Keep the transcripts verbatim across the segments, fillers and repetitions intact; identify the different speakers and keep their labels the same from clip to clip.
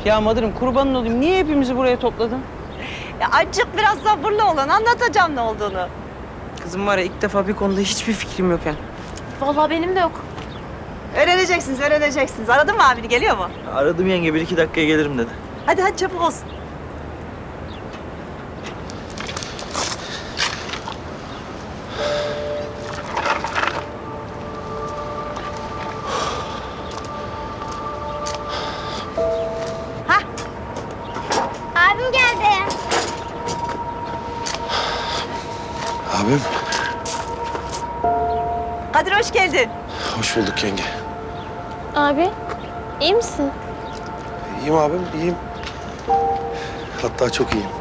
Speaker 1: Ya Madır'ım kurbanın olayım. Niye hepimizi buraya topladın?
Speaker 2: Ya azıcık biraz sabırlı olan anlatacağım ne olduğunu.
Speaker 1: Kızım var ya ilk defa bir konuda hiçbir fikrim yok yani.
Speaker 3: Vallahi benim de yok.
Speaker 2: Öğreneceksiniz, öğreneceksiniz. Aradın mı abini, geliyor mu?
Speaker 4: Aradım yenge, bir iki dakikaya gelirim dedi.
Speaker 2: Hadi hadi çabuk olsun. Hah,
Speaker 5: Abim geldi.
Speaker 6: Abim,
Speaker 2: Kadir hoş geldin.
Speaker 6: hoş bulduk yenge.
Speaker 3: Abi, iyi misin?
Speaker 6: İyiyim abim, iyiyim. Hatta çok iyiyim.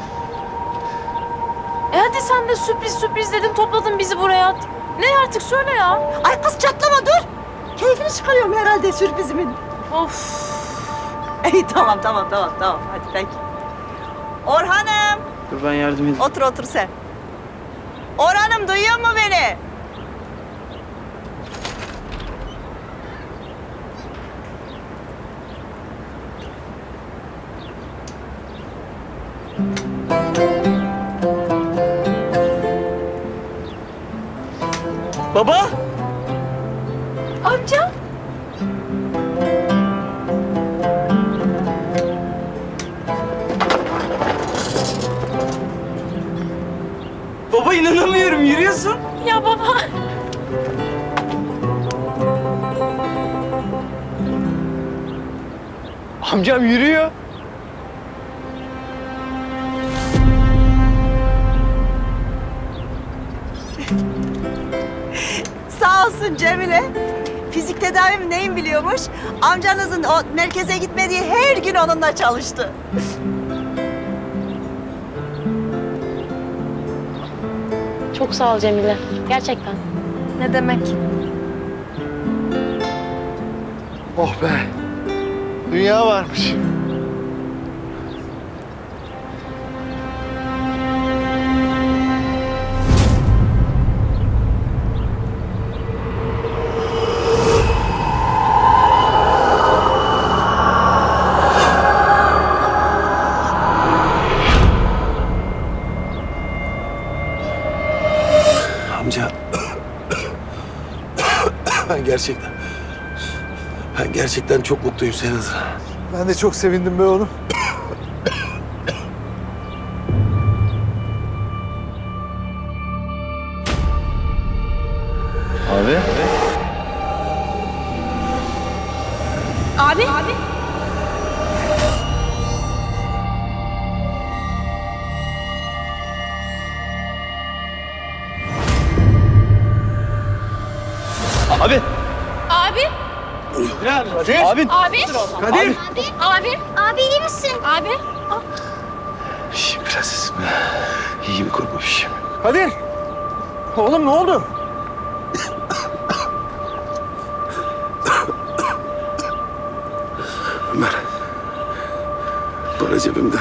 Speaker 3: E hadi sen de sürpriz sürpriz dedin, topladın bizi buraya. Ne artık söyle ya.
Speaker 2: Ay kız çatlama dur. Keyfini çıkarıyorum herhalde sürprizimin.
Speaker 3: Of.
Speaker 2: İyi tamam tamam tamam tamam hadi peki. Orhan'ım
Speaker 1: Dur ben yardım edeyim.
Speaker 2: otur otur sen. Orhan'ım duyuyor mu beni?
Speaker 4: Baba!
Speaker 3: Amca.
Speaker 1: Baba inanamıyorum yürüyorsun.
Speaker 3: Ya baba.
Speaker 1: Amcam yürüyor.
Speaker 2: Sağ olsun Cemile. Fizik tedavim neyin biliyormuş? Amcanızın o merkeze gitmediği her gün onunla çalıştı.
Speaker 3: Çok sağ ol Cemile. Gerçekten. Ne demek?
Speaker 6: Oh be, dünya varmış. Amca, ben gerçekten, ben gerçekten çok mutluyum senin adına.
Speaker 7: Ben de çok sevindim be oğlum.
Speaker 4: Abi?
Speaker 3: Abi. Abi.
Speaker 4: Abi!
Speaker 3: Abi.
Speaker 4: Kadir! Abi!
Speaker 3: Abi.
Speaker 4: Kadir!
Speaker 3: Abi.
Speaker 5: Abi iyi misin?
Speaker 3: Abi.
Speaker 6: İyiyim prensesim. İyiyim, korkma bir şeyim.
Speaker 7: Kadir! Oğlum ne oldu?
Speaker 6: Ömer, para cebimde.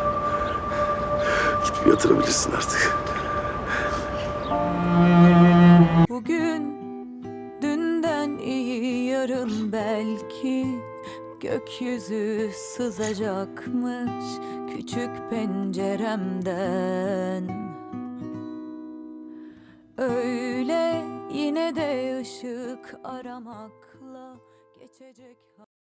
Speaker 6: Gidip yatırabilirsin artık.
Speaker 8: Bugün dünden iyi yarın belki gökyüzü sızacakmış küçük penceremden. Öyle yine de ışık aramakla geçecek.